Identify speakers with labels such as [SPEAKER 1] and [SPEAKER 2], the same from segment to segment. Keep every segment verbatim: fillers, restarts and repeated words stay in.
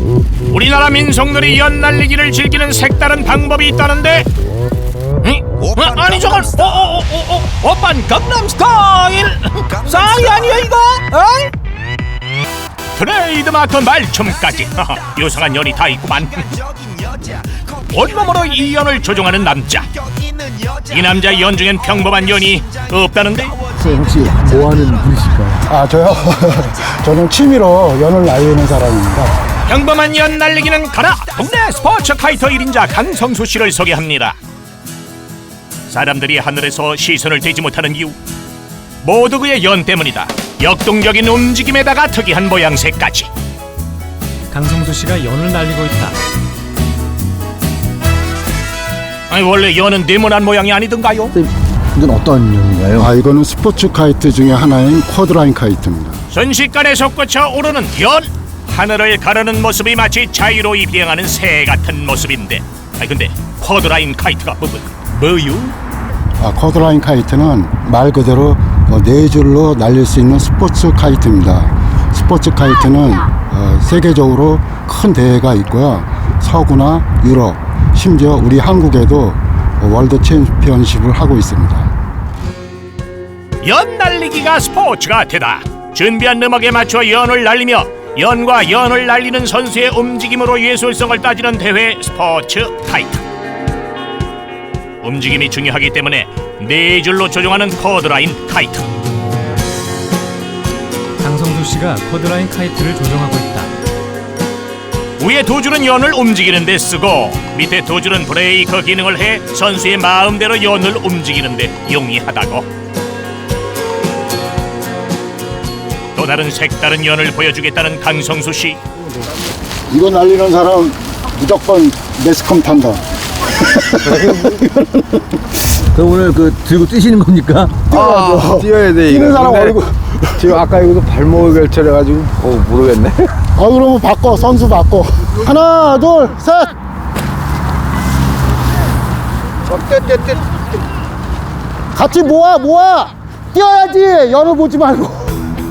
[SPEAKER 1] 우리나라 민속놀이 연 날리기를 즐기는 색다른 방법이 있다는데. 응? 어, 아니 저건 어, 어, 어, 어, 어, 오빤 강남 스타일 쌀이 아니야 이거? 어이? 트레이드마크 말춤까지 유성한 연이 다 있구만. 온몸으로 이 연을 조종하는 남자. 이 남자 연 중엔 평범한 연이 없다는데.
[SPEAKER 2] 혹시 뭐 하는 분이실까요?
[SPEAKER 3] 아 저요? 저는 취미로 연을 날리는 사람입니다.
[SPEAKER 1] 평범한 연 날리기는 가라. 국내 스포츠 카이터 일 인자 강성수 씨를 소개합니다. 사람들이 하늘에서 시선을 떼지 못하는 이유, 모두 그의 연 때문이다. 역동적인 움직임에다가 특이한 모양새까지.
[SPEAKER 4] 강성수 씨가 연을 날리고 있다.
[SPEAKER 1] 아니, 원래 연은 네모난 모양이 아니던가요?
[SPEAKER 2] 이건 어떤 연인가요?
[SPEAKER 3] 아 이거는 스포츠 카이트 중에 하나인 쿼드라인 카이트입니다.
[SPEAKER 1] 순식간에 솟구쳐 오르는 연. 하늘을 가르는 모습이 마치 자유로이 비행하는 새 같은 모습인데, 아니 근데 쿼드라인 카이트가 뭐, 뭐요?
[SPEAKER 3] 아 쿼드라인 카이트는 말 그대로 어, 네 줄로 날릴 수 있는 스포츠 카이트입니다. 스포츠 카이트는 어, 세계적으로 큰 대회가 있고요. 서구나 유럽, 심지어 우리 한국에도 월드 챔피언십을 하고 있습니다.
[SPEAKER 1] 연 날리기가 스포츠가 되다. 준비한 음악에 맞춰 연을 날리며 연과 연을 날리는 선수의 움직임으로 예술성을 따지는 대회 스포츠 카이트. 움직임이 중요하기 때문에 네 줄로 조종하는 쿼드라인 카이트.
[SPEAKER 4] 강성수 씨가 쿼드라인 카이트를 조종하고 있다.
[SPEAKER 1] 위에 두 줄은 연을 움직이는 데 쓰고 밑에 두 줄은 브레이크 기능을 해 선수의 마음대로 연을 움직이는 데 용이하다고. 또 다른 색다른 연을 보여주겠다는 강성수 씨.
[SPEAKER 3] 이거 날리는 사람 무조건 매스컴 탄다.
[SPEAKER 2] 그럼 오늘 그 들고 뛰시는 겁니까?
[SPEAKER 5] 아, 뛰어야 돼.
[SPEAKER 3] 뛰는 사람
[SPEAKER 5] 근데
[SPEAKER 3] 얼굴.
[SPEAKER 5] 지금 아까 이것도 발목을 결절해가지고 어 모르겠네.
[SPEAKER 3] 아 그러면 바꿔, 선수 바꿔. 하나 둘 셋. 같이 모아 모아 뛰어야지. 연을 보지 말고.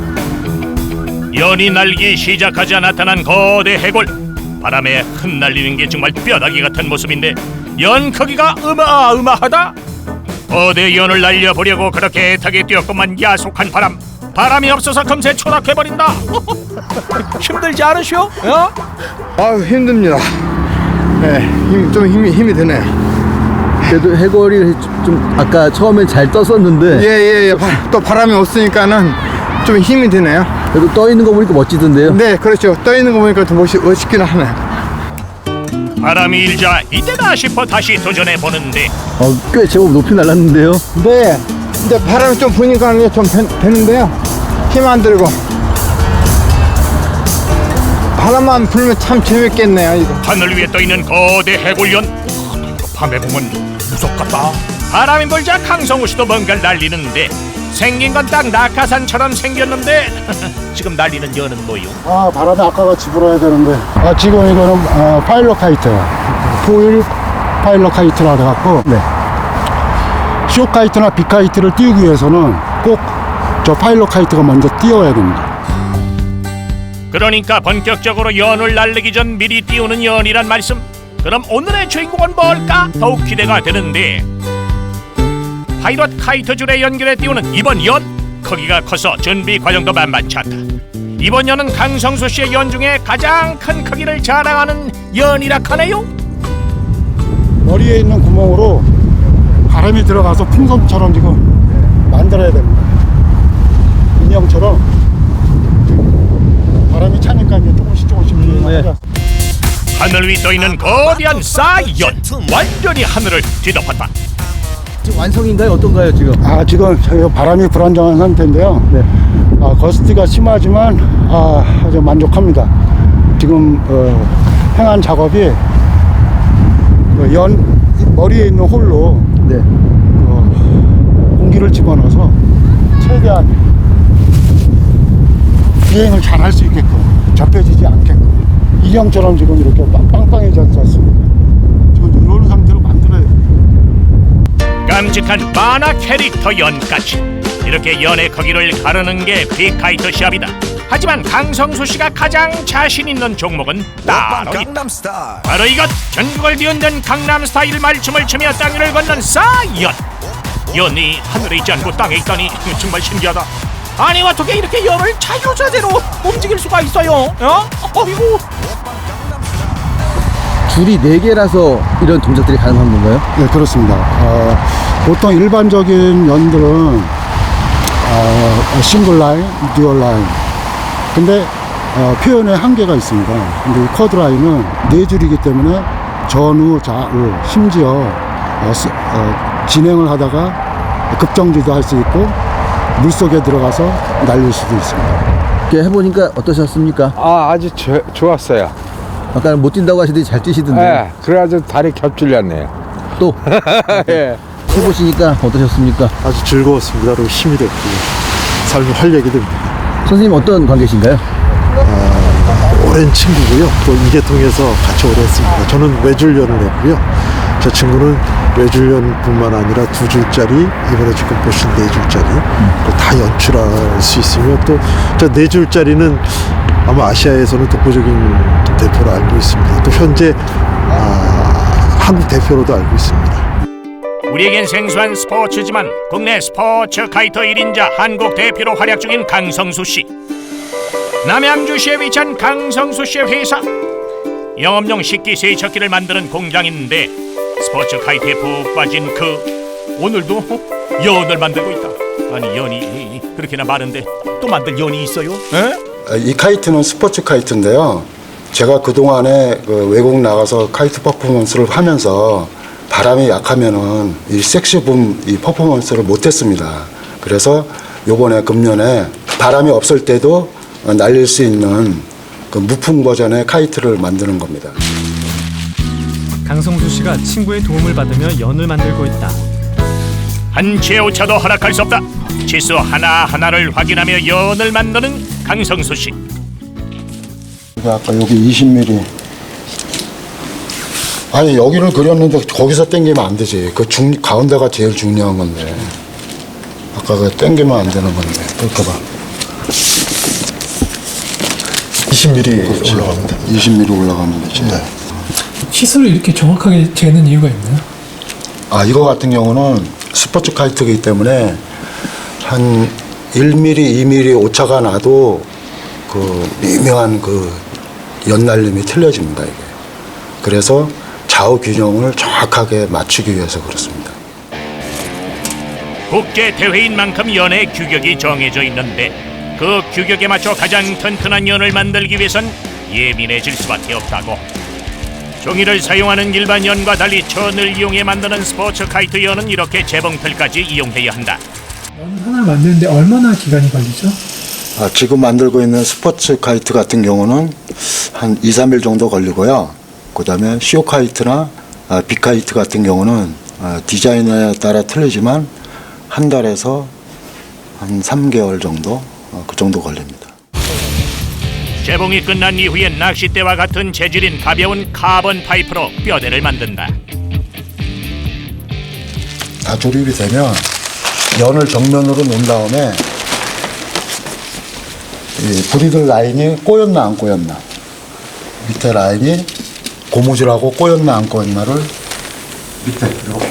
[SPEAKER 1] 연이 날기 시작하자 나타난 거대 해골. 바람에 흩날리는 게 정말 뼈다귀 같은 모습인데 연 크기가 어마어마하다. 거대 연을 날려보려고 그렇게 애타게 뛰었건만 야속한 바람. 바람이 없어서 금세 초락해버린다. 힘들지 않으시오? 어?
[SPEAKER 5] 아 힘듭니다. 네, 힘, 좀 힘이 힘이 드네.
[SPEAKER 2] 그래도 해골이 좀 아까 처음엔 잘 떴었는데
[SPEAKER 5] 예예예. 예. 또 바람이 없으니까는 좀 힘이 드네요.
[SPEAKER 2] 그래도 떠 있는 거 보니까 멋지던데요?
[SPEAKER 5] 네, 그렇죠. 떠 있는 거 보니까 더 멋있, 멋있기는 하네.
[SPEAKER 1] 바람이 일자 이때다 싶어 다시 도전해 보는데
[SPEAKER 2] 어, 꽤 제법 높이 날랐는데요?
[SPEAKER 5] 네. 근데 바람이 좀 부니까 좀 되, 되는데요. 힘 안 들고. 바람만 불면 참 재밌겠네요. 이거.
[SPEAKER 1] 하늘 위에 떠 있는 거대 해골연. 밤에 보면 무섭겠다. 바람이 불자 강성우 씨도 뭔가를 날리는데 생긴 건 딱 낙하산처럼 생겼는데 지금 날리는 연은 뭐요?
[SPEAKER 3] 아 바람에 아까 같이 불어야 되는데. 아 지금 이거는 어, 파일럿 카이트야. 포일 파일럿 카이트라 해갖고. 네. 쇼 카이트나 빅 카이트를 띄우기 위해서는 꼭 저 파일럿 카이트가 먼저 띄워야 됩니다.
[SPEAKER 1] 그러니까 본격적으로 연을 날리기 전 미리 띄우는 연이란 말씀. 그럼 오늘의 주인공은 뭘까? 더욱 기대가 되는데 파이럿 카이트 줄에 연결해 띄우는 이번 연. 크기가 커서 준비 과정도 만만치 않다. 이번 연은 강성수 씨의 연 중에 가장 큰 크기를 자랑하는 연이라 하네요.
[SPEAKER 3] 머리에 있는 구멍으로 바람이 들어가서 풍선처럼 지금 만들어야 됩니다. 인형처럼 바람이 차니까 이제 조금씩 조금씩 밀려나가죠.
[SPEAKER 1] 하늘 위 떠 있는 거대한 싸연. 완전히 하늘을 뒤덮었다.
[SPEAKER 2] 지금 완성인가요? 어떤가요 지금?
[SPEAKER 3] 아 지금 저희 바람이 불안정한 상태인데요.
[SPEAKER 2] 네.
[SPEAKER 3] 아 거스트가 심하지만 아 아주 만족합니다. 지금 어, 행한 작업이 그 연 머리에 있는 홀로
[SPEAKER 2] 네.
[SPEAKER 3] 그 공기를 집어넣어서 최대한 비행을 잘 할 수 있게끔 접혀지지 않게끔 인형처럼 지금 이렇게 빵빵해지 않습니까? 지금 이런 상태로 만들어야 돼요.
[SPEAKER 1] 깜찍한 만화 캐릭터 연까지. 이렇게 연의 크기를 가르는 게 빅카이트 시합이다. 하지만 강성수 씨가 가장 자신 있는 종목은 따로 있다. 바로 이것, 전국을 뒤흔든 강남스타일 말춤을 추며 땅 위를 걷는 싸연. 연이 하늘에 있지 않고 땅에 있다니 정말 신기하다. 아니 어떻게 이렇게 연을 자유자재로 움직일 수가 있어요? 어? 어이구.
[SPEAKER 2] 줄이 네 개라서 이런 동작들이 가능한 건가요?
[SPEAKER 3] 네, 그렇습니다. 어, 보통 일반적인 연들은 어, 싱글 라인, 듀얼 라인. 근데 어, 표현에 한계가 있습니다. 근데 이 쿼드 라인은 네 줄이기 때문에 전후, 좌우, 심지어 어, 스, 어, 진행을 하다가 급정지도 할 수 있고 물속에 들어가서 날릴 수도 있습니다.
[SPEAKER 2] 이렇게 해보니까 어떠셨습니까?
[SPEAKER 5] 아, 아주 저, 좋았어요.
[SPEAKER 2] 아까 못 뛴다고 하시더니 잘 뛰시던데.
[SPEAKER 5] 예, 그래가지고 다리 겹질렸네요.
[SPEAKER 2] 또
[SPEAKER 5] 예.
[SPEAKER 2] 해보시니까 어떠셨습니까?
[SPEAKER 6] 아주 즐거웠습니다. 그리고 힘이 됐고 삶이 활력이 됩니다.
[SPEAKER 2] 선생님 어떤 관계신가요?
[SPEAKER 6] 오랜 친구고요. 또 이계통에서 같이 오래 했습니다. 저는 외줄연을 했고요. 저 친구는 외줄연뿐만 아니라 두 줄짜리, 이번에 지금 보신 네 줄짜리 그걸 다 연출할 수 있으며 또 저 네 줄짜리는 아마 아시아에서는 독보적인 대표로 알고 있습니다. 또 현재 아, 한국 대표로도 알고 있습니다.
[SPEAKER 1] 우리에겐 생소한 스포츠지만 국내 스포츠 카이터 일 인자 한국 대표로 활약 중인 강성수 씨. 남양주시에 위치한 강성수 씨의 회사. 영업용 식기 세척기를 만드는 공장인데 스포츠 카이트에 푹 빠진 그 오늘도 연을 만들고 있다. 아니 연이 그렇게나 많은데 또 만들 연이 있어요? 에?
[SPEAKER 3] 이 카이트는 스포츠 카이트인데요. 제가 그동안에 그 외국 나가서 카이트 퍼포먼스를 하면서 바람이 약하면은 이 섹시붐 이 퍼포먼스를 못했습니다. 그래서 요번에 금년에 바람이 없을 때도 날릴 수 있는 그 무풍 버전의 카이트를 만드는 겁니다.
[SPEAKER 4] 강성수 씨가 친구의 도움을 받으며 연을 만들고 있다.
[SPEAKER 1] 한 치의 오차도 허락할 수 없다. 치수 하나하나를 확인하며 연을 만드는 강성수 씨.
[SPEAKER 3] 아까 여기 이십 밀리미터. 아니 여기를 그렸는데 거기서 당기면 안 되지. 그 중, 가운데가 제일 중요한 건데. 아까 그 당기면 안 되는 건데. 볼까봐.
[SPEAKER 6] 이십 밀리미터 올라갑니다.
[SPEAKER 3] 이십 밀리미터 올라가면 되지.
[SPEAKER 6] 네.
[SPEAKER 7] 치수를 이렇게 정확하게 재는 이유가 있나요?
[SPEAKER 3] 아 이거 같은 경우는 스포츠 카이트이기 때문에 한 일 밀리미터, 이 밀리미터 오차가 나도 그 미묘한 그 연날림이 틀려집니다 이게. 그래서 좌우 균형을 정확하게 맞추기 위해서 그렇습니다.
[SPEAKER 1] 국제 대회인 만큼 연의 규격이 정해져 있는데 그 규격에 맞춰 가장 튼튼한 연을 만들기 위해선 예민해질 수밖에 없다고. 종이를 사용하는 일반 연과 달리 천을 이용해 만드는 스포츠 카이트 연은 이렇게 재봉틀까지 이용해야 한다.
[SPEAKER 7] 연 하나를 만드는데 얼마나 기간이 걸리죠?
[SPEAKER 3] 아, 지금 만들고 있는 스포츠 카이트 같은 경우는 한 이, 삼 일 정도 걸리고요. 그 다음에 쇼 카이트나 아, 빅 카이트 같은 경우는 아, 디자인에 따라 틀리지만 한 달에서 한 삼 개월 정도 어, 그 정도 걸립니다.
[SPEAKER 1] 재봉이 끝난 이후엔 낚싯대와 같은 재질인 가벼운 카본 파이프로 뼈대를 만든다.
[SPEAKER 3] 다 조립이 되면 연을 정면으로 놓은 다음에 이 브리들 라인이 꼬였나 안 꼬였나, 밑에 라인이 고무줄하고 꼬였나 안 꼬였나를 밑에 이렇게 이렇게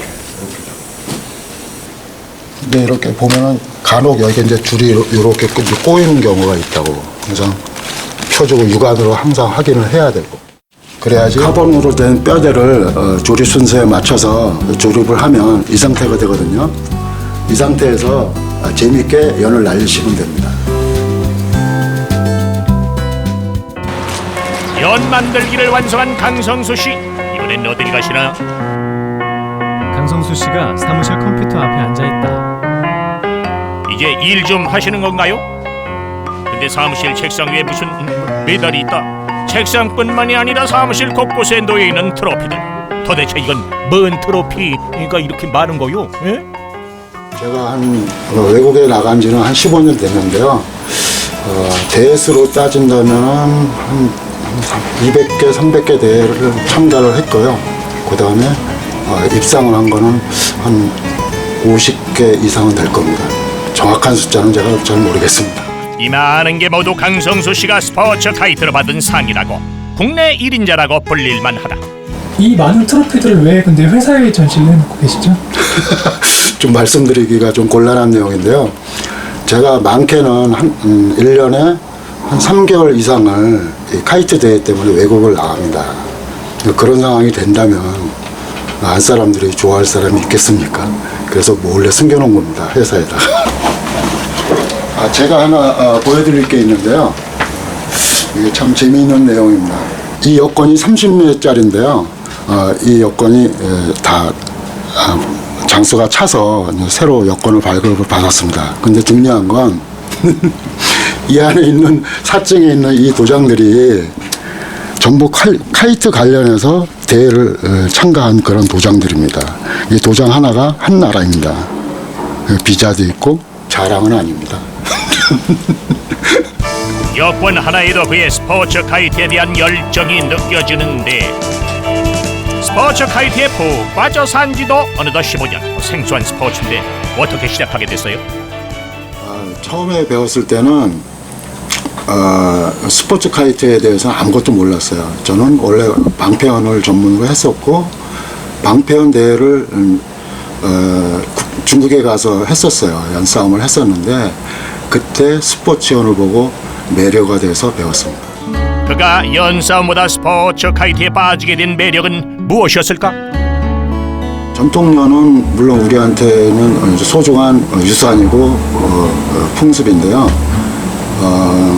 [SPEAKER 3] 근데 이렇게 보면은 간혹 여기 이제 줄이 이렇게 꼬이는 경우가 있다고. 항상 표적을 육안으로 항상 확인을 해야 되고, 그래야지 카본으로 된 뼈대를 어, 조립 순서에 맞춰서 조립을 하면 이 상태가 되거든요. 이 상태에서 재미있게 연을 날리시면 됩니다.
[SPEAKER 1] 연 만들기를 완성한 강성수 씨, 이번엔 어딜 가시나?
[SPEAKER 4] 강성수 씨가 사무실 컴퓨터 앞에 앉아 있다.
[SPEAKER 1] 이제 일 좀 하시는 건가요? 근데 사무실 책상 위에 무슨 메달이 있다. 책상뿐만이 아니라 사무실 곳곳에 놓여있는 트로피들. 도대체 이건 뭔 트로피가 이렇게 많은 거요? 예?
[SPEAKER 3] 제가 한 어, 외국에 나간 지는 한 십오 년 됐는데요. 어, 대수로 따진다면 한 이백 개, 삼백 개 대회를 참가를 했고요. 그 다음에 어, 입상을 한 거는 한 오십 개 이상은 될 겁니다. 정확한 숫자는 제가 잘 모르겠습니다.
[SPEAKER 1] 이 많은 게 모두 강성수 씨가 스포츠 카이트로 받은 상이라고 국내 일 인자라고 불릴만 하다.
[SPEAKER 7] 이 많은 트로피들을 왜 근데 회사에 전시를 해놓고 계시죠?
[SPEAKER 3] 좀 말씀드리기가 좀 곤란한 내용인데요. 제가 많게는 한 음, 일 년에 한 삼 개월 이상을 이 카이트 대회 때문에 외국을 나갑니다. 그런 상황이 된다면 안 사람들이 좋아할 사람이 있겠습니까? 그래서 몰래 숨겨놓은 겁니다, 회사에다가. 아, 제가 하나 어, 보여드릴 게 있는데요. 이게 참 재미있는 내용입니다. 이 여권이 삼십 매짜리인데요. 어, 이 여권이 에, 다 아, 장수가 차서 이제 새로 여권을 발급을 받았습니다. 근데 중요한 건 이 안에 있는 사증에 있는 이 도장들이 전부 칼, 카이트 관련해서 대회를 어, 참가한 그런 도장들입니다. 이 도장 하나가 한 나라입니다. 비자도 있고 자랑은 아닙니다.
[SPEAKER 1] 여권 하나에도 그의 스포츠 카이트에 대한 열정이 느껴지는데 스포츠 카이트에 푹 빠져 산 지도 어느덧 십오 년. 생소한 스포츠인데 어떻게 시작하게 됐어요?
[SPEAKER 3] 아, 처음에 배웠을 때는 어, 스포츠 카이트에 대해서는 아무것도 몰랐어요. 저는 원래 방패연을 전문으로 했었고 방패연 대회를 음, 어, 구- 중국에 가서 했었어요. 연싸움을 했었는데 그때 스포츠연을 보고 매료가 돼서 배웠습니다.
[SPEAKER 1] 그가 연싸움보다 스포츠 카이트에 빠지게 된 매력은 무엇이었을까?
[SPEAKER 3] 전통연은 물론 우리한테는 소중한 유산이고 어, 어, 풍습인데요. 어,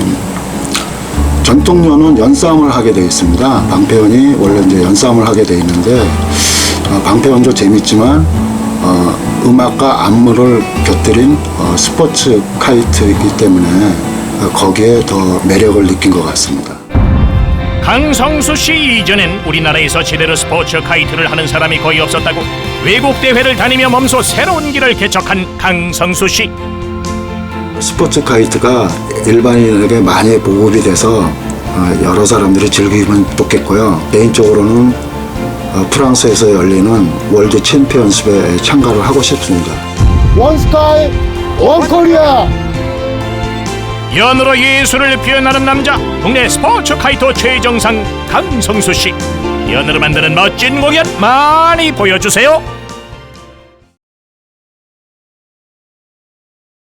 [SPEAKER 3] 전통연은 연싸움을 하게 되어 있습니다. 방패연이 원래 이제 연싸움을 하게 되어 있는데 어, 방패연도 재밌지만 어, 음악과 안무를 곁들인 어, 스포츠 카이트이기 때문에 어, 거기에 더 매력을 느낀 것 같습니다.
[SPEAKER 1] 강성수 씨 이전엔 우리나라에서 제대로 스포츠 카이트를 하는 사람이 거의 없었다고 외국 대회를 다니며 몸소 새로운 길을 개척한 강성수 씨.
[SPEAKER 3] 스포츠 카이트가 일반인에게 많이 보급이 돼서 어, 여러 사람들이 즐기면 좋겠고요. 개인적으로는 어, 프랑스에서 열리는 월드 챔피언십에 참가를 하고 싶습니다.
[SPEAKER 5] 원스카이 원코리아.
[SPEAKER 1] 연으로 예술을 표현하는 남자, 국내 스포츠 카이트 최정상 강성수 씨. 연으로 만드는 멋진 공연 많이 보여주세요.